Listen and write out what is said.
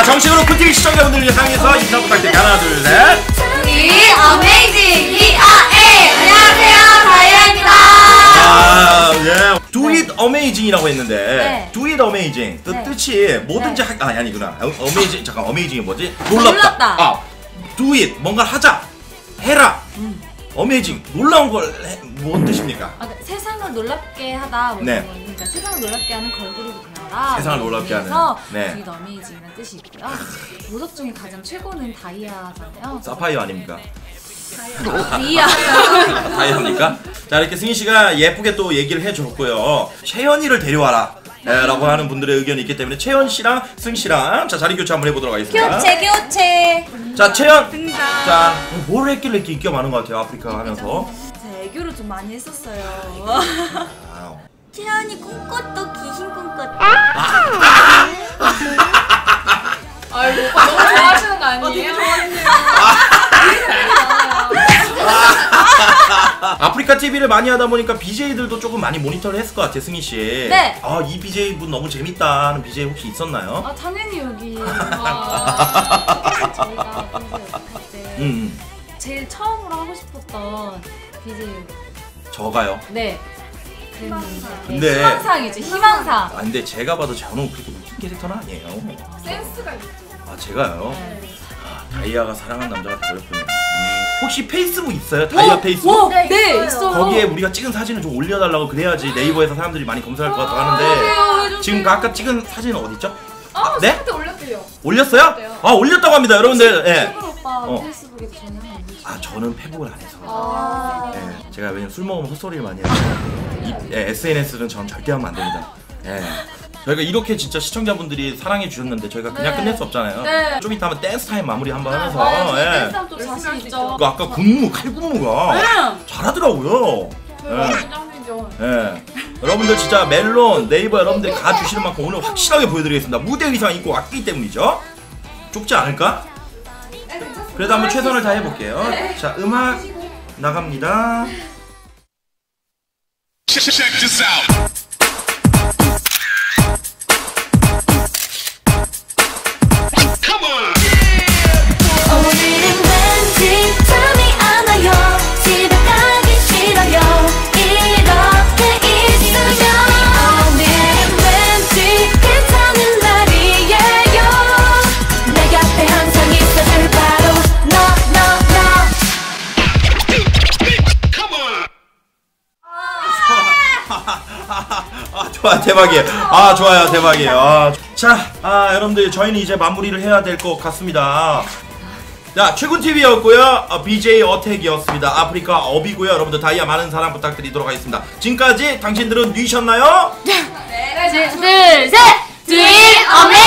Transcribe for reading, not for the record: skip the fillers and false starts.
정식으로 쿤TV 시청자분들을 향해서 인사 부탁드릴게요. 하나, 둘, 셋. 이 어메이징 ERA 안녕하세요 다이아입니다. 예. Do it amazing이라고 했는데 네. Do it amazing 그 네. 뜻이 뭐든지 네. 아니구나. amazing 잠깐 amazing이 뭐지? 놀랍다. 놀랍다. do it 뭔가를 하자. 해라. amazing 놀라운 걸 뭔 뜻입니까? 세상을 놀랍게 하다 뭐 네. 그러니까 세상을 놀랍게 하는 걸그룹이 되어라. 세상을 놀랍게 하는. 네. Do it amazing이라는 뜻이 있고요. 보석 중에 가장 최고는 다이아잖아요. 사파이어 아닙니까? 다이아. 다이아입니까? 자 이렇게 승희 씨가 예쁘게 또 얘기를 해줬고요. 채연이를 데려와라. 라고 하는 분들의 의견이 있기 때문에 채연 씨랑 승 씨랑 자 자리 교체 한번 해보도록 하겠습니다. 교체. 자 채연. 등장. 자 뭘 했길래 이렇게 인기가 많은 것 같아요 아프리카 하면서. 제가 애교를 좀 많이 했었어요. 아유. 채연이 꿈꿨도 귀신 꿈꿨도. 아이고 오빠 너무 좋아하시는 거 아니에요? 되게 좋아하시네요. 아프리카 TV를 많이 하다 보니까 BJ들도 조금 많이 모니터를 했을 것 같아요 승희 씨. 네. 아 이 BJ 분 너무 재밌다 하는 BJ 혹시 있었나요? 아 당연히 여기 저희가 그래서 할 때 제일 처음으로 하고 싶었던 BJ 저가요. 네. 그랬는데 근데- 희망상이죠 희망상. 아 근데 제가 봐도 저는 그렇게 웃긴 캐릭터는 아니에요. 센스가 있죠. 아 제가요? 네. 다이아가 사랑한 남자가 되었군요. 혹시 페이스북 있어요? 다이아 페이스북? 네 있어요. 거기에 우리가 찍은 사진을 좀 올려달라고 그래야지 네이버에서 사람들이 많이 검색할 것 같다고 하는데 해주세요. 지금 그 아까 찍은 사진은 어딨죠? 네? 한테 올렸대요. 올렸어요? 아 올렸다고 합니다 여러분들. 예. 최근 오빠 어. 페이스북에 저는 아 저는 페북을 안 해서 아. 예, 제가 왜냐면 술 먹으면 헛소리를 많이 해서 SNS는 전 절대 하면 안 됩니다. 예. 저희가 이렇게 진짜 시청자분들이 사랑해 주셨는데 저희가 그냥 네. 끝낼 수 없잖아요. 네. 좀 이따 하면 댄스 타임 마무리 한번 하면서 댄스 예. 또 자신 있죠. 그 아까 군무 칼군무가 잘하더라고요. 예. 긴장이죠. 예. 여러분들 진짜 멜론 네이버 여러분들이 가주시는 만큼 오늘 확실하게 보여드리겠습니다. 무대 의상 입고 왔기 때문이죠. 좁지 않을까? 그래도 한번 최선을 다해볼게요. 자 음악 나갑니다. Check this out. Come on. 오늘은 왠지 잠이 안 와요. 집에 가기 싫어요. 이렇게 있으면 오늘은 왠지 괜찮은 날이에요. 내 곁에 항상 있어줄 바로 너. Come on. 아 좋아 대박이에요. 아 좋아요 대박이에요. 자 여러분들 저희는 이제 마무리를 해야 될 것 같습니다. 자 최군TV였고요 BJ 어택이었습니다. 아프리카 업이고요. 여러분들 다이아 많은 사랑 부탁드리도록 하겠습니다. 지금까지 당신들은 뉘셨나요? 둘, 셋! Do it amazing!